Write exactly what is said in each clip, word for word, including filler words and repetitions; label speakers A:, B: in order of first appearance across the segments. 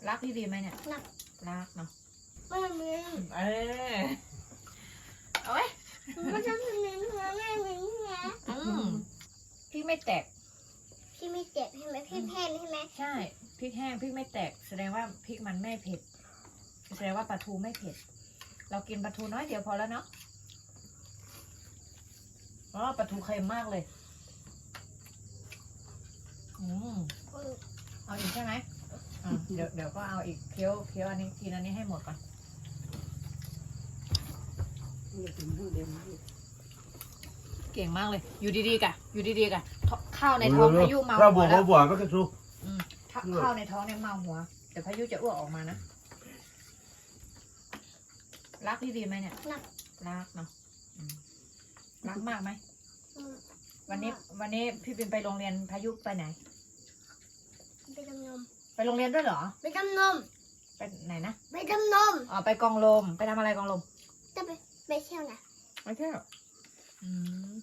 A: รักพี่บีไหมเนี่ย
B: รัก
A: รักเนาะ
B: ไม่ทำเลย
A: เออเอาไว้
B: ไม่ทำเลยหัวแม่เหมือนแม่
A: อืมพี่ไม่แตก
B: พี่ไม่เจ็บใช่ไหมพี่แพ้ใช่ไหม
A: ใช่พริกแห้งพริกไม่แตกแสดงว่าพริกมันไม่เผ็ดแสดงว่าปลาทูไม่เผ็ดเรากินปลาทูน้อยเดียวพอแล้วเนาะอ๋อปลาทูเค็มมากเลยอืมเอาอีกใช่ไหมอ่ะเดี๋ยวเดี๋ยวก็เอาอีกเคี้ยวเคี้ยวอันนี้กินอันนี้ให้หมดก่อนเก่งมากเลย อยู่ดีๆกะอยู่ดีๆกะข้าวในท้องพายุเมา
C: ข้าวบ
A: หั
C: ว
A: ว
C: ก
A: แล้
C: ข้าว วบวกก็กระชู
A: อืมถ้าข้าวในท้องเนี่ยเมาหัวเดี๋ยวพายุจะอ้วกออกมานะรักพี่บีไหมเนี่ย
B: รัก
A: รักเนาะอืมรักมากไหม
B: อืม
A: วันนี้วันนี้พี่บินไปโรงเรียนพายุไปไหน
B: ไปดำนม
A: ไปโรงเรียนด้วยเหรอ
B: ไปดำนม
A: ไปไหนนะ
B: ไปดำนม
A: อ๋อไปกองลมไปทำอะไรกองลม
B: จะไปไปเที่ยวนะ
A: ไม่ใช่หรออืม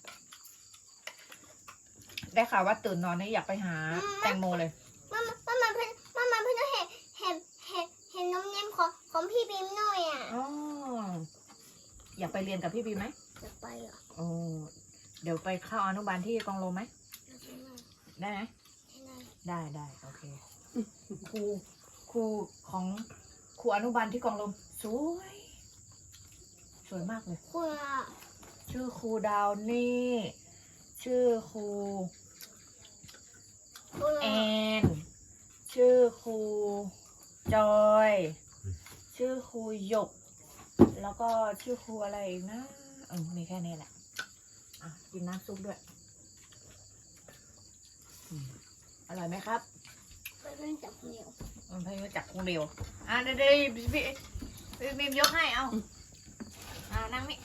A: ได้ข่าวว่าตื่นนอนนี่อยากไปหาแตงโมเลย
B: มามามาเพื่อนมามาเพื่อนเห็นเห็นเห็นเห็นนมเนียมของของพี่บีมหน่อยอ่ะ
A: อ๋ออยากไปเรียนกับพี่บีไหม
B: จะไปเหรอ
A: โอ้เดี๋ยวไปเข้าอนุบาลที่กองลมไหมได้ไหม ได้ได้โอเคครูครูของครูอนุบาลที่กองลมสวยสวยมากเลย
B: คุณอ่ะ
A: ชื่อครูดาวนี่ชื่อครู
B: คุณ
A: แอ
B: อ่ะ
A: นชื่อครูจอย ชื่อครูหยก แล้วก็ชื่อครูอะไรอีกนะเออมีแค่นี้แหละอ่ะกินน้ำซุปด้วยอืมอร่อยไหมครับ
B: ไปเล่นจับเหนียว
A: มันพยายามจับคงเร็วอ่ะเดี๋ยวเดี๋ยวพี่พี่พี่บีมยกให้เอาอ่านั่งนี่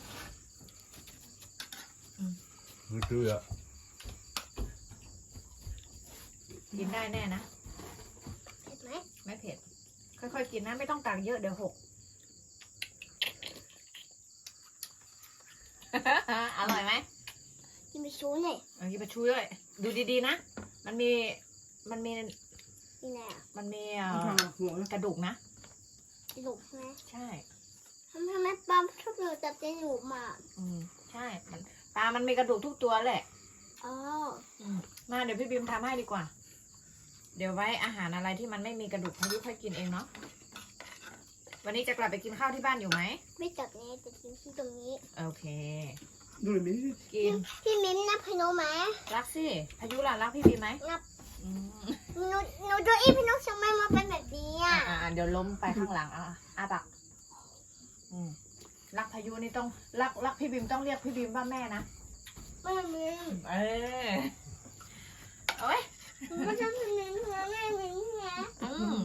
C: มันคืออะ
A: กินได้แน่นะ
B: เห็นไหม
A: ไม่เผ็ด ค่อยๆกินนะไม่ต้องตักเยอะเดี๋ยวหก อร่อยไหม
B: กินไปชูหน่อย
A: เอากินไปช่วยด้วยดูดีๆนะ มันมี มันมี
B: นี่แหละ
A: มันมีเอ่อกระดูกนะ
B: กระดูกใช่ไหม
A: ใช่
B: ทำไมปลาชอบเราจับกระดูกมา
A: อืมใช่มันปลามันมีกระดูกทุกตัวแหละ
B: อ๋อ
A: อืมมาเดี๋ยวพี่บิมทำให้ดีกว่า เดี๋ยวไว้อาหารอะไรที่มันไม่มีกระดูกพายุค่อยกินเองเนาะวันนี้จะกลับไปกินข้าวที่บ้านอยู่ไหม
B: ไม่จับนี้จะกินที่ตรงนี้
A: โอเค
C: ดูเลยมิ
A: กิน
B: พี่มิ้มนับพนมไหม
A: รักสิพายุล่ะรักพี่บิมไหม
B: นับ
A: อืม
B: หนูหนูดูอีพี่นกทำไมมาเป็นแบบนี้
A: อ่า
B: อ่ะ
A: อ่าเดี๋ยวล้มไปข้างหลังอ่ะอาปากอืมรักพายุนี่ต้องรักรักพี่บิมต้องเรียกพี่บิมว่าแม่นะ
B: ไม่ทำเลย
A: เออเอาไว้
B: ไม่ทำเลยหัวแม่เหมือนแม่
A: อืม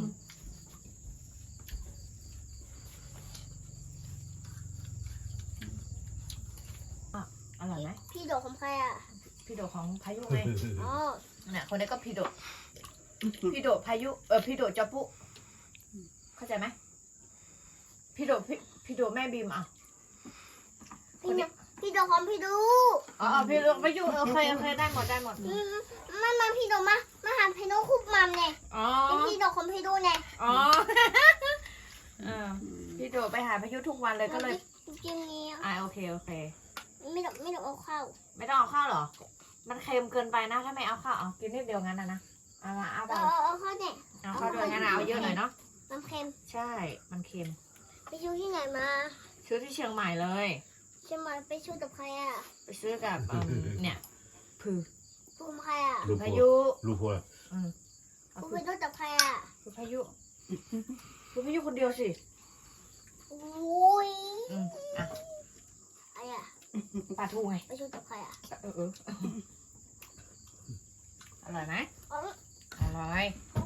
A: อ่ะอร่อยไหม
B: พี่โดดของใครอ่ะ
A: พี่โดของพายุไง
B: อ๋อ
A: เนี่ยคนนี้ก็พี่โดพี่โดพายุเออพี่โดจอปุเข้าใจไหมพี่โดพี่พี่โดแม่บีมอ่ะค
B: พี่
A: น
B: โด
A: นี้
B: พี่โดของพี่ดู
A: อ๋ออ๋อพี่โดพายุโอเคโอเคได้หมดได้หมด
B: อืมมามาพี่โดมามาหาพี่โดคุบมัมเนี่ย
A: อ๋อ
B: เป็นพี่โดของพี่ดูเนี่ย
A: อ๋อเออพี่โดไปหาพายุทุกวันเลยก็เลย
B: กินนี้
A: อ่าโอเคโอเค
B: ไม่ต้องไม่ต้องเอาข้าว
A: ไม่ต้องเอาข้าวเหรอ มันเค็มเกินไปนะถ้าไม่เอาข้าวเอากินนิดเดียวงั้นนะนะเอามาเอาไป
B: เอาเอาเอาข้าวเนี่ย
A: เอาข้าวด้วยงั้นนะเอาเยอะหน่อยเนาะ
B: น้ำเค็ม
A: ใช่ มันเค็ม
B: ไปชูที่ไหนมา
A: ซื้อที่เชียงใหม่เลย
B: เชียงใหม่ไปชูกับใครอ่ะ
A: ไปซื้อกับอืมเนี่ยผือ
B: ชูกับใครอ่ะ
C: ลูก
A: พา
C: หัว
A: ยุ
C: ลูกหัว
A: อืมเอา
B: ชู
A: ผื
B: ไป
A: อ
B: ดูกับใครอ่ะ
A: ผือพายุผือพายุคนเดียวสิ
B: โอ้ย
A: อืมอ่ะ
B: ไอ้อ่ะ
A: ปลาทูไง
B: ไปชูกับใครอ่ะ
A: เออเอออร่อยไหม
B: อ๋อ
A: อร่อย
B: อ๋อ